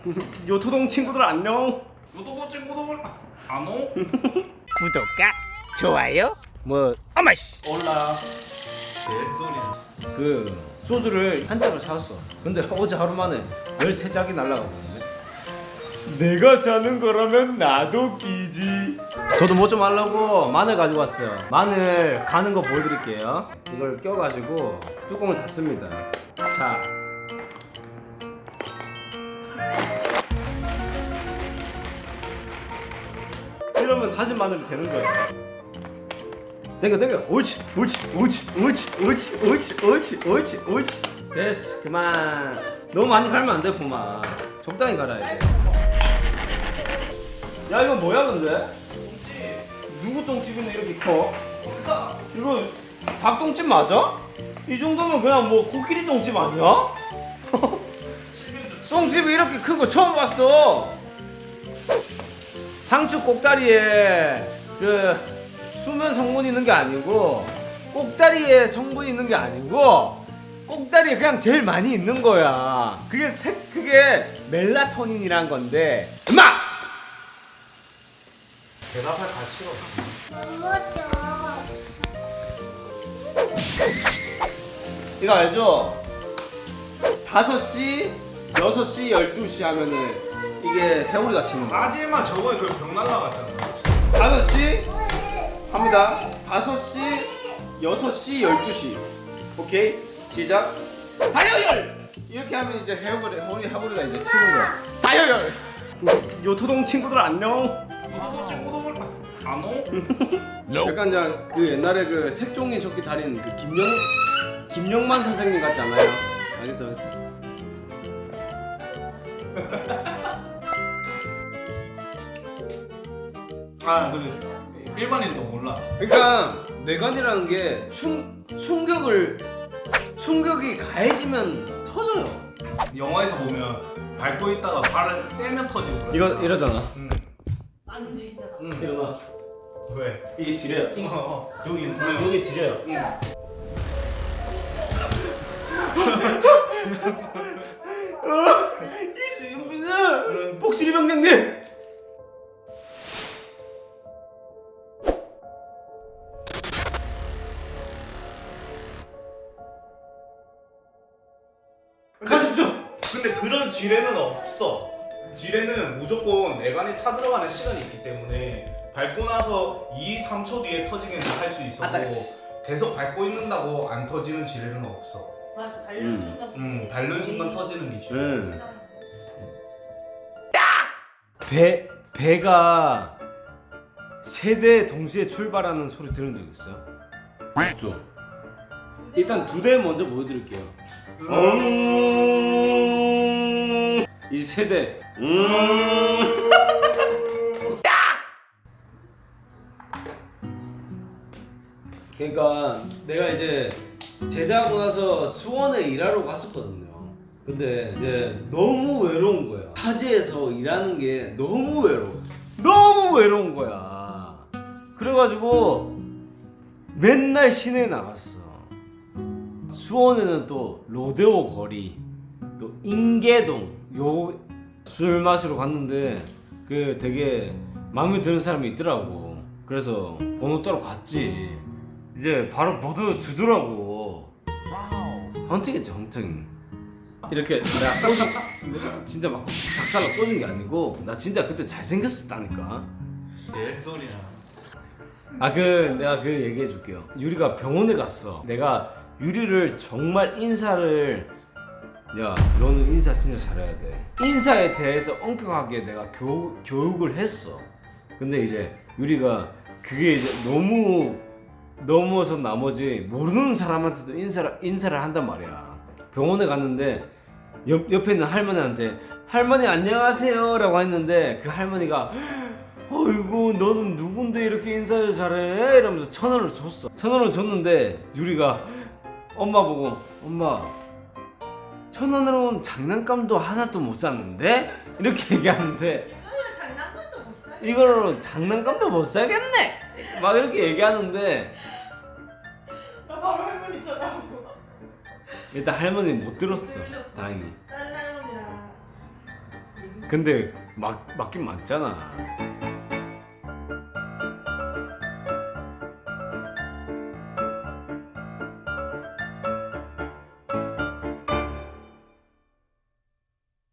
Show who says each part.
Speaker 1: 요토동 친구들 안녕.
Speaker 2: 요토동 친구들 안녕.
Speaker 3: 구독과 좋아요 뭐 어마씨
Speaker 2: 올라. 개소리야.
Speaker 1: 그 소주를 한 잔을 사왔어. 근데 어제 하루 만에 13짝이 날라가거든요. 내가 사는 거라면 나도 끼지. 저도 뭐 좀 하려고 마늘 가지고 왔어요. 마늘 가는 거 보여드릴게요. 이걸 껴가지고 뚜껑을 닫습니다. 자, 이러면 다진 마늘이 되는 거예요. 당겨 옳지 옳지 됐어. 그만. 너무 많이 갈면 안 돼. 그만 적당히 갈아야 돼. 야, 이거 뭐야 근데? 누구 똥집인데 이렇게 커? 이거 닭똥집 맞아? 이 정도면 그냥 뭐 코끼리 똥집 아니야? 똥집이 이렇게 큰 거 처음 봤어. 상추 꼭다리에 그 수면 성분이 있는 게 아니고, 꼭다리에 성분이 있는 게 아니고, 꼭다리에 그냥 제일 많이 있는 거야. 그게 멜라토닌이란 건데. 엄마!
Speaker 2: 대답할 가치가 없어.
Speaker 1: 이거 알죠? 5시, 6시, 12시 하면은 이게 해오리가 치는 거야.
Speaker 2: 하지만 저번에 그 병 날라갔잖아.
Speaker 1: 5시 합니다. 5시, 6시, 12시. 오케이? 시작. 다이어열! 이렇게 하면 이제 해오리가 이제 치는 거야. 다이어열! 요토동 친구들 안녕.
Speaker 2: 요토동 친구들 안녕.
Speaker 1: 약간 그냥 그 옛날에 그 색종이 적기 달인 그 김영만 선생님 같지 않아요? 알겠어.
Speaker 2: 아 그래. 일반인도 몰라.
Speaker 1: 그러니까 뇌관이라는 게 충격이 가해지면 터져요.
Speaker 2: 영화에서 보면 밟고 있다가 발을 떼면 터지고 그래.
Speaker 1: 이러잖아.
Speaker 2: 응.
Speaker 4: 안 움직이잖아.
Speaker 1: 일어나.
Speaker 2: 왜?
Speaker 1: 이게 지뢰야. 여기 지뢰야. 이수윤비는 복실이 병장님. 가십시오.
Speaker 2: 근데 그런 지뢰는 없어. 지뢰는 무조건 내관이 타들어가는 시간이 있기 때문에 밟고 나서 2, 3초 뒤에 터지기는 할 수 있어도
Speaker 1: 아따.
Speaker 2: 계속 밟고 있는다고 안 터지는 지뢰는 없어.
Speaker 4: 맞아, 밟는 순간.
Speaker 2: 밟는 순간 터지는 게 지뢰.
Speaker 1: 배가 세 대 동시에 출발하는 소리 들은 적 있어요? 없죠. 일단 2대 먼저 보여드릴게요. 이제 세 대. 그러니까 내가 이제 제대하고 나서 수원에 일하러 갔었거든요. 근데 이제 너무 외로운 거야. 타지에서 일하는 게 너무 외로운 거야. 그래가지고 맨날 시내에 나갔어. 수원에는 또 로데오 거리, 또 인계동 요 술 마시러 갔는데 그 되게 마음에 드는 사람이 있더라고. 그래서 번호 따러 갔지. 이제 바로 번호 주더라고. 헌팅했지, 헌팅. 이렇게 내가 진짜 막 작살로 꽂은 게 아니고 나 진짜 그때 잘생겼었다니까.
Speaker 2: 개소리야.
Speaker 1: 내가 그 얘기해 줄게요. 유리가 병원에 갔어. 내가 유리를 정말 야, 너는 인사 진짜 잘해야 돼. 인사에 대해서 엄격하게 내가 교육을 했어. 근데 이제 유리가 그게 이제 너무 넘어서 나머지 모르는 사람한테도 인사를 한단 말이야. 병원에 갔는데 옆에 있는 할머니한테 할머니 안녕하세요 라고 했는데 그 할머니가 어이구 너는 누군데 이렇게 인사를 잘해? 이러면서 1,000원을 줬어. 1,000원을 줬는데 유리가 엄마 보고 엄마 1,000원으로는 장난감도 하나도 못 샀는데? 이렇게 얘기하는데
Speaker 4: 장난감도 못 사.
Speaker 1: 이걸로 장난감도 못 사겠네? 막 이렇게 얘기하는데
Speaker 4: 나 바로 할머니 전화하고.
Speaker 1: 일단 할머니 못 들었어. 다행히.
Speaker 4: 다른 할머니랑
Speaker 1: 근데 맞긴 맞잖아.